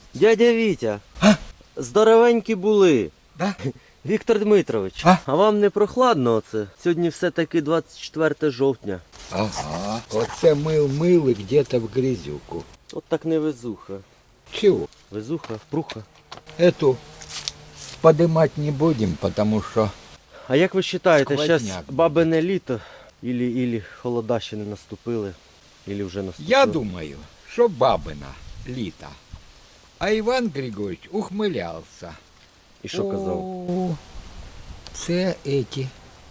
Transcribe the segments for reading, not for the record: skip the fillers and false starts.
Дядя Вітя, А? здоровенькі були. Да? Віктор Дмитрович, а вам не прохладно оце? Сьогодні все-таки 24 жовтня. Ага. Оце мыл и где-то в грязюку. От так не везуха. Чего? Везуха, пруха. Эту подымать не будем, потому что... А як ви вважаєте, зараз Сквозняк. бабине літо, ілі холода ще не наступили, ілі вже наступили? Я думаю, что бабина літа. А Иван Григорьевич ухмылялся. І що казав? О, це эти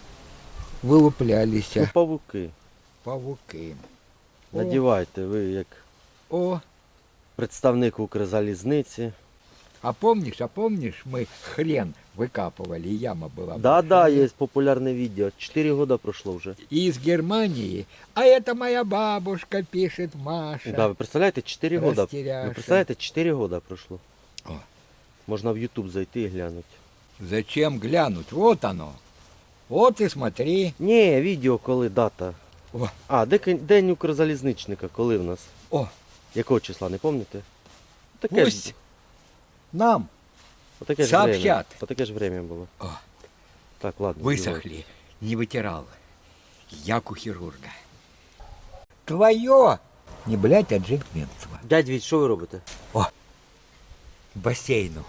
вилуплялися Ну, павуки. павуки. Надівайте, ви як О, представник Укрзалізниці. а помнишь, мы хрен выкапывали, и яма была. Да, є популярне відео. 4 роки пройшло вже. И из Германии, а это моя бабушка, пишет Маша. Да, ви представляєте, 4 роки. Растеряша. Ви представляєте, 4 роки пройшло. О. Можна в YouTube зайти і глянути. Зачем глянуть? Вот оно. Вот и смотри. Ні, відео коли, дата. О, А, день Укрзалізничника, коли в нас? о, Якого числа, не пам'ятаєте? Таке пусть ж, нам отаке ж сообщат. время. Отаке ж время було. О. Так, ладно. Высохли, не вытирал. Як у хирурга. Твое, не блять, а Дженкменцева. Дядь Віть, що ви робите? Бассейну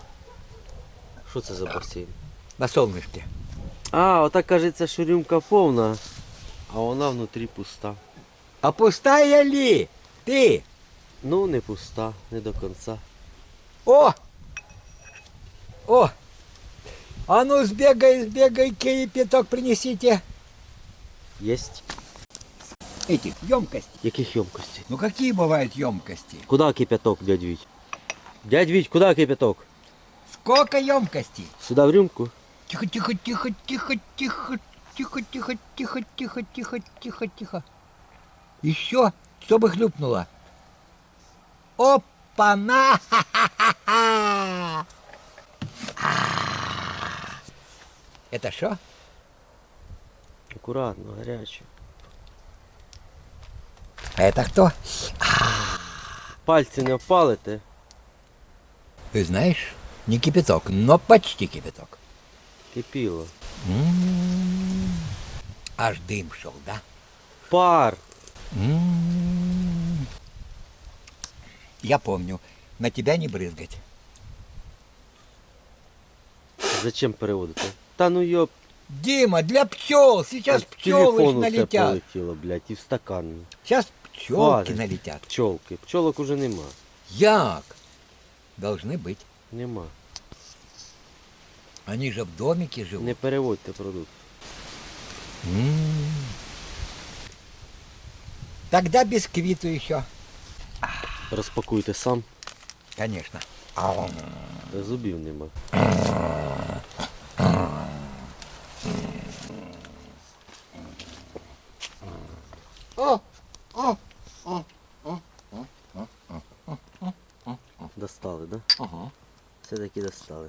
Що це за басейн? на солнышке. А, отак кажеться, що рюмка повна, а вона внутрі пуста. А пустая ли? Ты? Ну, не пуста, не до кінця. О! О! А ну сбегай, кипяток принесите. Єсть. Эти, емкости. Яких ємкостей? Ну какие бывают емкости? Куда кипяток, дядь Віть? Дядь Віть, куда кипяток? Сколько емкостей? Сюда в рюмку? Тихо, тихо, тихо, тихо, тихо, тихо, тихо, тихо, тихо, тихо, тихо, тихо. Еще, чтобы хлюпнуло. Опа-на! Ха-ха-ха-ха! Это что? Акуратно, гаряче. А это кто? Пальці не опалите. Ты знаешь, не кипяток, но почти кипяток. Кипіло. Аж дым шел, да? Пар. Я помню, на тебя не брызгать. Зачем переводити? Та ну йоп. Дима, для пчел, сейчас В пчелы телефон усе налетят. полетіло, блядь, і в стакан. Сейчас пчелки Хватит. налетят. Пчолки. Пчолок уже нема. Як? Должны быть. Нема. Они же в домике живут. Не переводьте продукт. Тогда бисквиту еще. Розпакуйте сам. Конечно. Зубів нема. Достали, да? Ага. Все-таки достали.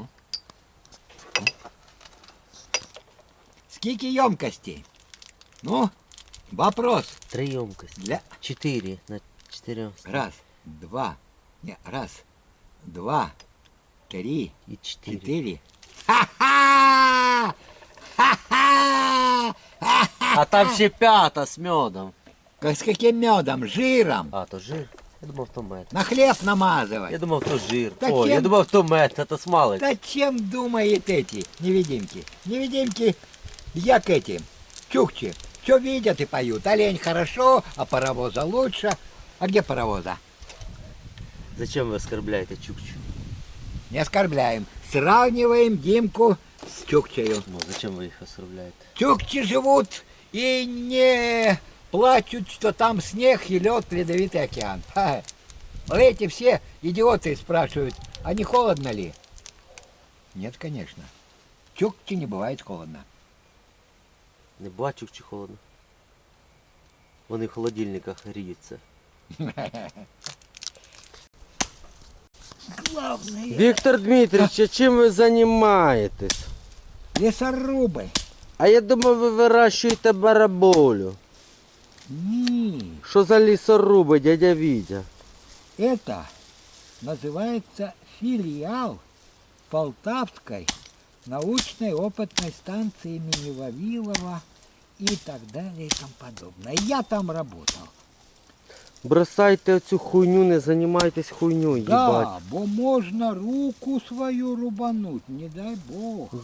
Сколько емкостей? Ну, вопрос. 3 ємкості. Для... 4 на 4. Раз, два. Не, раз, два, три, І 4. четыре. Ха-ха! Ха-ха! А там ще 5 з медом. С каким медом? Жиром. А, то жир. Я думав, то мед. На хлеб намазывать. Я думав, то жир. Та О, я чим? думав, то мед, це смалець. Да чем думают эти невидимки? Невидимки, як эти, чукчи. Все видят и поют. Олень хорошо, а паровоза лучше. А где паровоза? Зачем ви оскорбляєте Чукчу? Не оскорбляем. Сравниваем Димку с Чукчею. Ну, зачем ви їх оскорбляєте? Чукчи живут и не плачут, что там снег и лед, ледовитый океан. Ха. Эти все идиоты спрашивают, а не холодно ли? Нет, конечно. Чукче не бывает холодно. Не бачу, чи холодно. Вони в холодильниках гріються. Главное. Віктор Дмитрович, а чим ви займаєтесь? Лесорубы. А я думав, ви вирощуєте бараболю. Не, Що за лісоруби, дядя Вітя? это называется филиал Полтавской научной опытной станции имени Вавилова и так далее и тому подобное. Я там работал. Бросайте оцю хуйню, не займайтесь хуйньою, їбать. Да, бо можна руку свою рубануть, не дай Бог.